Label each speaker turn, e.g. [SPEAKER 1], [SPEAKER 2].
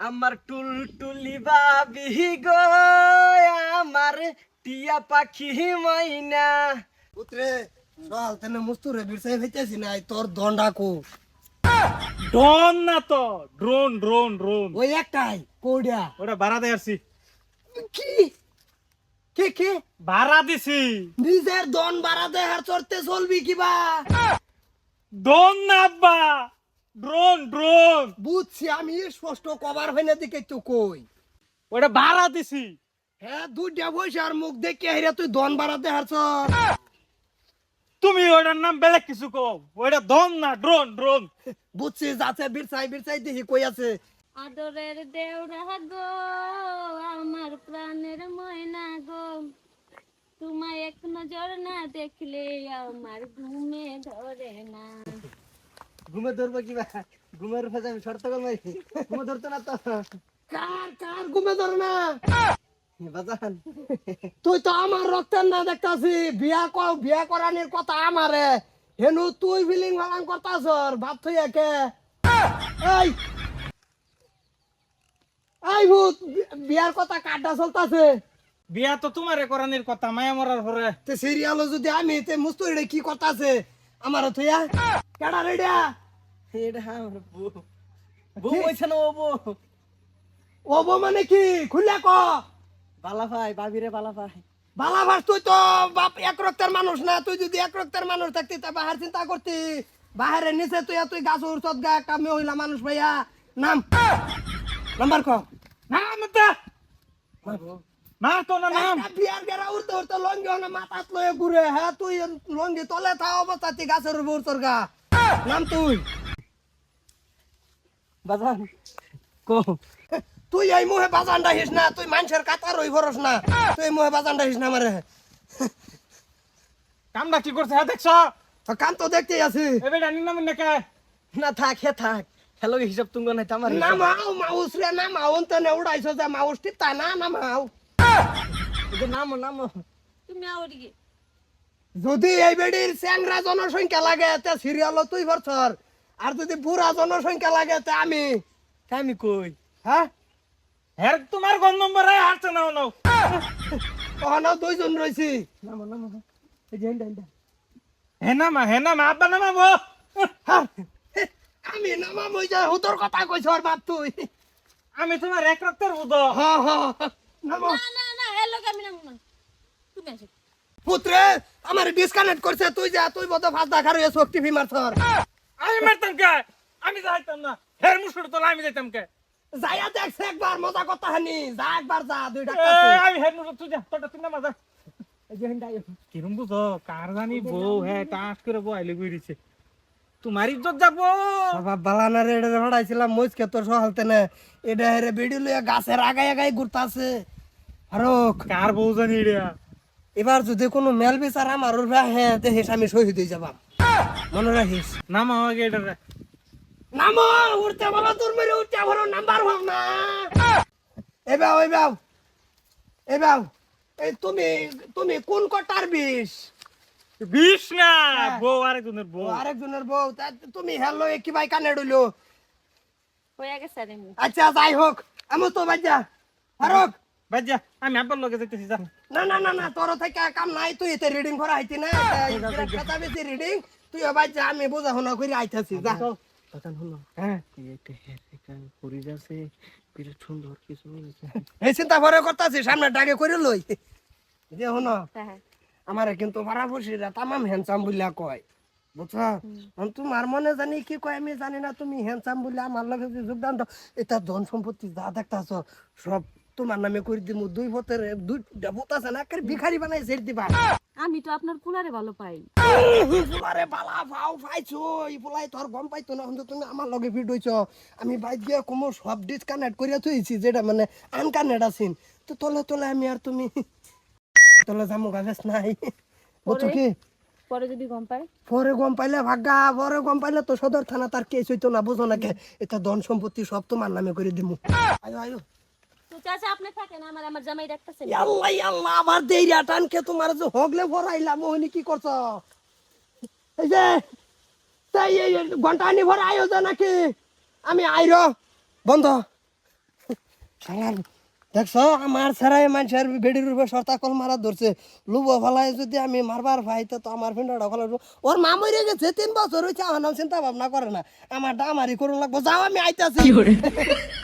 [SPEAKER 1] আমার টুলটুলি বাবি গো, আমার টিয়া পাখি মাইনা।
[SPEAKER 2] পুত্রে চল তেনে মুস্তুরে বিরসাই হইতেছি না তোর দন্ডাকো
[SPEAKER 3] ড্রোন না তো ড্রোন ড্রোন ড্রোন
[SPEAKER 2] ওই একটাই কোডিয়া
[SPEAKER 3] ওটা ভাড়া দিয়ে আসছি।
[SPEAKER 2] কি কে কে
[SPEAKER 3] ভাড়া দিছি।
[SPEAKER 2] নিজের দন বাড়াতে হার চড়তে চলবি কিবা
[SPEAKER 3] ড্রোন না আব্বা, ড্রোন ড্রোন।
[SPEAKER 2] বুঝছি আমি স্পষ্ট কভার হইনা দিকে তো কই
[SPEAKER 3] ওটা ভাড়া দিছি।
[SPEAKER 2] হ্যাঁ দুইটা বসে আর মুখ দেখে হেরে তুই দন বাড়াতে হার চড়
[SPEAKER 3] তুমি ওটার নাম বেলেগ কিছু কও, ওটা দম না ড্রোন ড্রোন।
[SPEAKER 2] বুঝছি যাচ্ছে বিরসাই বিরসাই দেখি কই আছে
[SPEAKER 4] আদরের দেওরা গো, আমার প্রাণের ময়না গো, তোমায় এক নজর না দেখলে আমার ঘুমে ধরে না।
[SPEAKER 1] ঘুমে ধরবো কিবা, ঘুমের ফেজে আমি শর্ত করবো, ঘুমে ধরতো না তো
[SPEAKER 2] কার কার ঘুমে ধরে না
[SPEAKER 1] বাজান।
[SPEAKER 2] তুই তো আমার রক্তের না দেখতাছি বিয়া করানোর কথা আমারে হেনু তুই ফিলিং ভালাং করতাছ ভাব তুই একে এই এই ভূত বিয়ার কথা কাটা চলতাছে
[SPEAKER 3] বিয়া তো তোমারে করানির কথা, মায়া মরার পরে।
[SPEAKER 2] তে সিরিয়াল যদি আমি তে মুস্তুরি কি করতাছে আমার থইয়া কেডা রেডিয়া
[SPEAKER 1] এটা আমার বউ, বউ হয়েছে না ও বউ।
[SPEAKER 2] ওবো মানে কি খুলে ক
[SPEAKER 1] বালা ভাই, বাবিরে বালা ভাই।
[SPEAKER 2] বালা ভাস তুই তো বাপ এক রক্তের মানুষ না তুই যদি এক রক্তের মানুষ থাকতি তা বাহার চিন্তা করতি বাহারে নিচে তুই তুই গাছ উড়ছত গা একটা মহিলা মানুষ ভাইয়া নাম নাম্বার ক
[SPEAKER 3] নাম দা মা তো না নাম।
[SPEAKER 2] একটা বিয়ার গেরা উড়তে উড়তে লঙ্গি হনে মাথাত লয়ে ঘুরে হ্যাঁ তুই লঙ্গি তলে থা অবস্থা তুই গাছের উপর উড়তর গা নাম তুই
[SPEAKER 1] বাজান কো,
[SPEAKER 2] তুই এই মুহে বাজানটা হিস না তুই মানুষের কাতার রই ভরস না তুই এই মুহে বাজানটা হিস না মারে
[SPEAKER 3] কামটা কি করছে হ্যাঁ দেখছ?
[SPEAKER 2] কাম তো দেখতেই আছি
[SPEAKER 3] এবার জানি না মনে কে
[SPEAKER 1] না থাক হে থাক, হ্যালো হিসাব তুঙ্গ নাই আমার
[SPEAKER 2] না মাও মাউস রে না মাউন তো উড়াইছো যে মাউস টিপ তা না না মাও
[SPEAKER 1] নামো নামো।
[SPEAKER 4] তুমি আওড়ি
[SPEAKER 2] যদি এই বেডির চ্যাংরা জনসংখ্যা লাগে তে সিরিয়াল তুই ভরছর আর যদি বুড়া জনসংখ্যা লাগে তে
[SPEAKER 1] আমি কই
[SPEAKER 2] হ্যাঁ
[SPEAKER 3] হ্যাঁ তোমার কোন নম্বরে হারছে না নাও।
[SPEAKER 2] ওখানে দুইজন রয়েছি
[SPEAKER 1] নামো নামো, এই যে হেন্ডা হেন্ডা।
[SPEAKER 3] হে না মা আব্বা নামাবো।
[SPEAKER 2] হ্যাঁ, আমি নামা মই যা হুতর কথা কইছ আর বাপ তুই
[SPEAKER 3] আমি তোমার এক রক্তের বুধ।
[SPEAKER 2] হ হ নামো
[SPEAKER 4] না না না এলো আমি নাম না, তুমি আসো।
[SPEAKER 2] পুত্রে আমার ডিসকানেক্ট করছে তুই যা তুই বড় ফাঁস দেখার হয়ে শক্তি ফি মারছর
[SPEAKER 3] আমি মারতাম কে? আমি যাইতাম না। হের মুসুর তোলা আমি যাইতাম কে?
[SPEAKER 2] যাইয়া দেখছে একবার মজা কথা হানি যা একবার যা দুইটা
[SPEAKER 3] আমি হের মুসুর তুই যা, তোটা তুই না মজা।
[SPEAKER 1] এই যে হেন্ডা
[SPEAKER 3] কিরম বুঝো কার জানি বউ হ্যাঁ টাস করে বইলে গুইরিছে। তোমার ইজ্জত যাবো।
[SPEAKER 2] বাবা বালানা রে এটা হড়াইছিলাম মইজকে তোর সহালতে না এটা হেরে বেডি লইয়া গাছের আগায় আগায় ঘুরতাছে ফারুক
[SPEAKER 3] কার বউ জানি রে?
[SPEAKER 2] এবার যদি কোনো মেল বিচার আমার ওর হ্যাঁ দেখিস আমি শহীদ হয়ে যাবাম মনে রাখিস
[SPEAKER 3] নাম আমাকে এটা রে।
[SPEAKER 2] নামো উঠতে বলো তোর মেরে উঠতে বলো নাম্বার হোক না এবাও এবাও এবাও এই তুমি তুমি কোন কটার বিষ
[SPEAKER 3] বিষ না
[SPEAKER 2] হ্যাঁ।
[SPEAKER 3] বউ আরেকজনের বউ।
[SPEAKER 2] আরেকজনের বউ তা তুমি হ্যালো কি ভাই কানে ডইলো
[SPEAKER 4] হয়ে গেছে রে মু।
[SPEAKER 2] আচ্ছা যাই হোক আমি তো বাজ্যা ফারুক
[SPEAKER 3] বাজ্জা আমি আব্বার লগে যাইতেছি যা।
[SPEAKER 2] না না না না তোর থেকে কাম নাই তুই এতে রিডিং করা আইতি না কথা বেশি রিডিং তুই বাজ্যা আমি বোঝা শোনা করে আইতাছি যা
[SPEAKER 1] বাজান হলো,
[SPEAKER 2] হ্যাঁ
[SPEAKER 1] এই একটা হেয়ার একটা করি যাচ্ছে, বিরাট সুন্দর কিছু হয়েছে।
[SPEAKER 2] এই চিন্তা করে করতেছি সামনে ডাকে করে লই যে হনো
[SPEAKER 4] হ্যাঁ
[SPEAKER 2] আমার কিন্তু পাড়াপড়শিরা তামাম হ্যান্ডসাম বলিয়া কয় বুঝছো তোমার মনে জানি কি কয় আমি জানি না তুমি হ্যান্ডসাম বলে আমার লগে যে যোগদান দাও এটা ধন সম্পত্তি যা দেখতাছ সব তোমার নামে করে দিমু দুই ভোটের দুইটা ভোট আছে না ভিখারি বানাই ছেড়ে দিবা
[SPEAKER 4] আমি তো আপনার কুলারে ভালো পাই।
[SPEAKER 2] ফুলারে বালা ফাও পাইছো এই ফুলাই তোর গম পাইতো না কিন্তু তুমি আমার লগে ভিড হইছ আমি বাইক গিয়া কোমো সব ডিসকানেক্ট করিয়া থইছি যেটা মানে আনকানেক্ট আছিন তো তলে তলে আমি আর তুমি তলে যামু গাছ নাই বুঝছো কি
[SPEAKER 4] পরে যদি গম পাই
[SPEAKER 2] পরে গম পাইলে ভাগ্যা পরে গম পাইলে তো সদর থানা তার কেস হইতো না বুঝো না কে এটা ধন সম্পত্তি সব তোমার নামে করে দিমু আয়ো আয়ো
[SPEAKER 4] তো চাচা আপনি থাকেন, আমার আমার জামাই ডাকতেছে।
[SPEAKER 2] আল্লাহ আল্লাহ আবার দেইরা টানকে তোমার যে হগলে ভরাইলাম ওহনি কি করছ এই যে তাই এই ঘন্টা আনি ভরা আয়োজন নাকি আমি আইর বন্ধ শালার দেখছ আমার ছাড়াই মানুষের বেডির উপরে সর্তা কল মারা ধরছে লুব ফেলায় যদি আমি মারবার ভাই তো আমার ফ্রেন্ডটা ফেলা ওর মা মরে গেছে 3 বছর হয়েছে আমার নাম চিন্তা ভাবনা করে না আমার ডামারি করুন লাগবো যাও আমি আইতাছি